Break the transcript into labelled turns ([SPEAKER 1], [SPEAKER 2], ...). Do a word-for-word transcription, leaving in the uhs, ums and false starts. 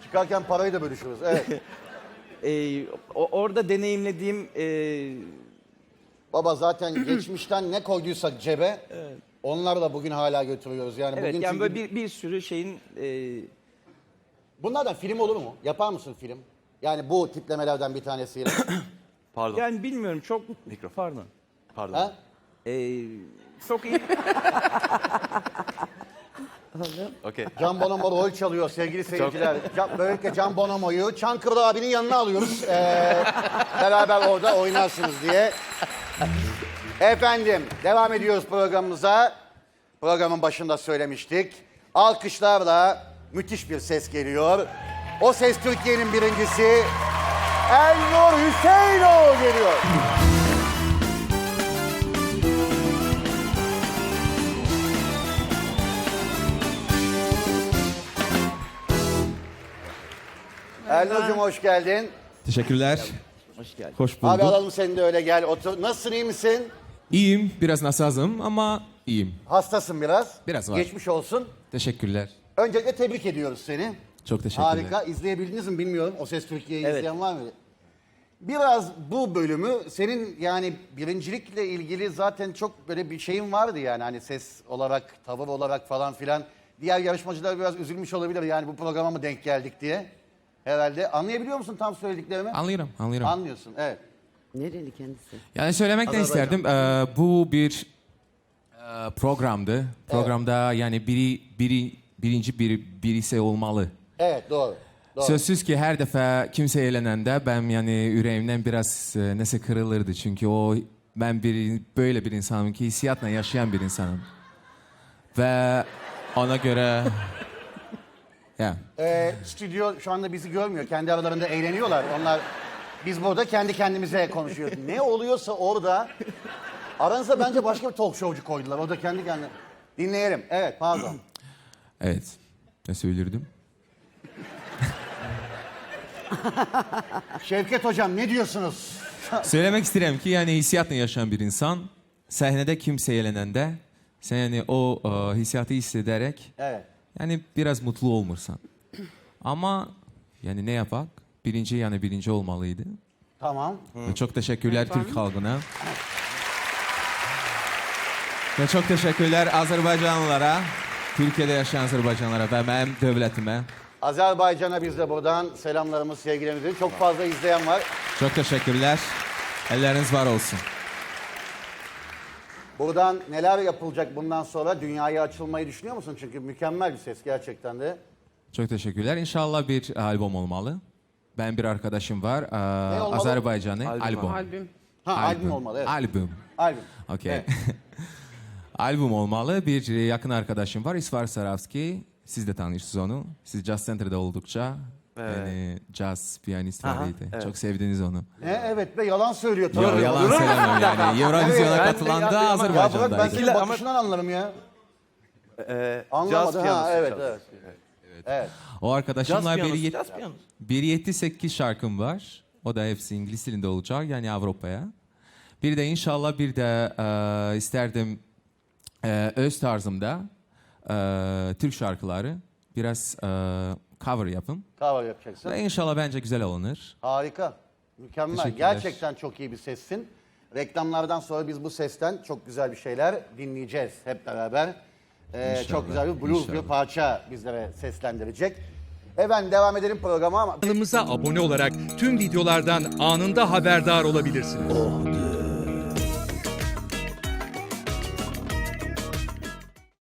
[SPEAKER 1] Çıkarken parayı da bölüşürüz. Evet.
[SPEAKER 2] Ee, o- orada deneyimlediğim e,
[SPEAKER 1] Baba zaten geçmişten ne koyduysak cebe onlarla bugün hala götürüyoruz. Yani
[SPEAKER 2] evet
[SPEAKER 1] bugün
[SPEAKER 2] yani
[SPEAKER 1] çünkü
[SPEAKER 2] böyle bir, bir sürü şeyin e,
[SPEAKER 1] bunlardan film olur mu? Yapar mısın film? Yani bu tiplemelerden bir tanesiyle.
[SPEAKER 3] Pardon.
[SPEAKER 2] yani bilmiyorum çok pardon.
[SPEAKER 3] Pardon.
[SPEAKER 1] ha?
[SPEAKER 2] Ee, çok iyi.
[SPEAKER 3] Okey.
[SPEAKER 1] Can Bonomo rol çalıyor sevgili seyirciler. Can, böylelikle Can Bonomo'yu Çankırı abinin yanına alıyoruz. Ee, beraber orada oynarsınız diye. Efendim devam ediyoruz programımıza. Programın başında söylemiştik. Alkışlarla müthiş bir ses geliyor. O ses Türkiye'nin birincisi Elnur Hüseyinoğlu geliyor. Elnur'cum hoş geldin.
[SPEAKER 4] Teşekkürler.
[SPEAKER 2] Hoş geldin.
[SPEAKER 4] Hoş
[SPEAKER 1] Abi
[SPEAKER 4] bulduk.
[SPEAKER 1] alalım seni de öyle gel otur. Nasılsın iyi misin?
[SPEAKER 4] İyiyim. Biraz nasazım ama iyiyim.
[SPEAKER 1] Hastasın biraz.
[SPEAKER 4] Biraz var.
[SPEAKER 1] Geçmiş olsun.
[SPEAKER 4] Teşekkürler.
[SPEAKER 1] Öncelikle tebrik ediyoruz seni.
[SPEAKER 4] Çok teşekkürler.
[SPEAKER 1] Harika. İzleyebildiniz mi bilmiyorum. O Ses Türkiye'yi
[SPEAKER 2] Evet.
[SPEAKER 1] izleyen var mı? Biraz bu bölümü senin yani birincilikle ilgili zaten çok böyle bir şeyin vardı yani. Hani ses olarak, tavır olarak falan filan. Diğer yarışmacılar biraz üzülmüş olabilir yani bu programa mı denk geldik diye. Herhalde. Anlayabiliyor musun tam söylediklerimi?
[SPEAKER 4] Anlıyorum, anlıyorum.
[SPEAKER 1] Anlıyorsun, evet.
[SPEAKER 5] Nereli kendisi?
[SPEAKER 4] Yani söylemek de isterdim. Ee, bu bir e, programdı. Programda yani biri, biri birinci bir birisi olmalı.
[SPEAKER 1] Evet, doğru. doğru.
[SPEAKER 4] Sözsüz ki her defa kimse eğlenende ben yani yüreğimden biraz e, nesi kırılırdı. Çünkü o ben bir böyle bir insanım ki hissiyatla yaşayan bir insanım. Ve ona göre ya
[SPEAKER 1] Ee, stüdyo şu anda bizi görmüyor. Kendi aralarında eğleniyorlar. Onlar biz burada kendi kendimize konuşuyoruz. Ne oluyorsa orada aranıza bence başka bir talk showcu koydular. O da kendi kendine. Dinleyelim. Evet, pardon.
[SPEAKER 4] evet. Ne söylerdim?
[SPEAKER 1] Şevket hocam ne diyorsunuz?
[SPEAKER 4] Söylemek isterim ki yani hissiyatla yaşayan bir insan sahnede kimse eğlenende sen yani o e, hissiyatı hissederek
[SPEAKER 1] Evet.
[SPEAKER 4] yani biraz mutlu olmursan. Ama yani ne yapak? Birinci yani birinci olmalıydı.
[SPEAKER 1] Tamam.
[SPEAKER 4] Ve çok teşekkürler Türk halkına. Ve çok teşekkürler Azerbaycanlılara, Türkiye'de yaşayan Azerbaycanlılara ve benim devletime.
[SPEAKER 1] Azerbaycan'a biz de buradan selamlarımız, sevgilerimizi. Çok fazla izleyen var.
[SPEAKER 4] Çok teşekkürler. Elleriniz var olsun.
[SPEAKER 1] Buradan neler yapılacak bundan sonra? Dünyaya açılmayı düşünüyor musun? Çünkü mükemmel bir ses gerçekten de.
[SPEAKER 4] Çok teşekkürler. İnşallah bir albüm olmalı. Ben bir arkadaşım var.
[SPEAKER 1] Ne
[SPEAKER 4] Ee,
[SPEAKER 1] olmalı?
[SPEAKER 4] Azerbaycanlı.
[SPEAKER 3] Albüm.
[SPEAKER 4] Albüm.
[SPEAKER 5] Albüm.
[SPEAKER 1] Ha, albüm, olmalı. Evet.
[SPEAKER 4] Albüm.
[SPEAKER 1] Albüm.
[SPEAKER 4] Okey.
[SPEAKER 1] Evet.
[SPEAKER 4] Albüm olmalı. Bir yakın arkadaşım var. İsvar Saravski. Siz de tanıyorsunuz onu. Siz Jazz Center'da oldukça.
[SPEAKER 3] Evet.
[SPEAKER 4] Yani jazz piyanist
[SPEAKER 3] Aha,
[SPEAKER 4] vardı.
[SPEAKER 3] evet.
[SPEAKER 4] Çok sevdiniz onu.
[SPEAKER 1] Ne? Evet be yalan söylüyor.
[SPEAKER 4] Yo,
[SPEAKER 1] Tabii.
[SPEAKER 4] yalan söylemem yani. Eurovision'a
[SPEAKER 1] Evet,
[SPEAKER 3] ben de
[SPEAKER 4] katılan
[SPEAKER 3] ya-
[SPEAKER 4] da
[SPEAKER 3] ama-
[SPEAKER 1] Ya bırak ben
[SPEAKER 4] Azerbaycan'daydı.
[SPEAKER 1] senin bakışından anlarım ya.
[SPEAKER 3] Ee,
[SPEAKER 1] Anlamadı
[SPEAKER 3] caz
[SPEAKER 1] ha
[SPEAKER 3] piyanosu
[SPEAKER 1] evet
[SPEAKER 3] çalıyor.
[SPEAKER 1] evet. Evet.
[SPEAKER 4] O
[SPEAKER 3] Caz
[SPEAKER 4] arkadaşımla
[SPEAKER 3] piyanosu,
[SPEAKER 4] bir,
[SPEAKER 3] caz piyanosu.
[SPEAKER 4] bir yedi sekiz şarkım var. O da hepsi İngiliz dilinde olacak yani Avrupa'ya. Bir de inşallah bir de e, isterdim e, öz tarzımda e, Türk şarkıları biraz e, cover yapın.
[SPEAKER 1] Kahve yapacaksın.
[SPEAKER 4] Ve inşallah bence güzel olunur.
[SPEAKER 1] Harika. Mükemmel.
[SPEAKER 4] Teşekkürler.
[SPEAKER 1] Gerçekten çok iyi bir sessin. Reklamlardan sonra biz bu sesten çok güzel bir şeyler dinleyeceğiz hep beraber. Ee,
[SPEAKER 4] İnşallah,
[SPEAKER 1] çok güzel bir blues bir
[SPEAKER 4] inşallah.
[SPEAKER 1] parça bizlere seslendirecek. Efendim devam edelim programa ama...
[SPEAKER 6] Kanalımıza abone olarak tüm videolardan anında haberdar olabilirsiniz.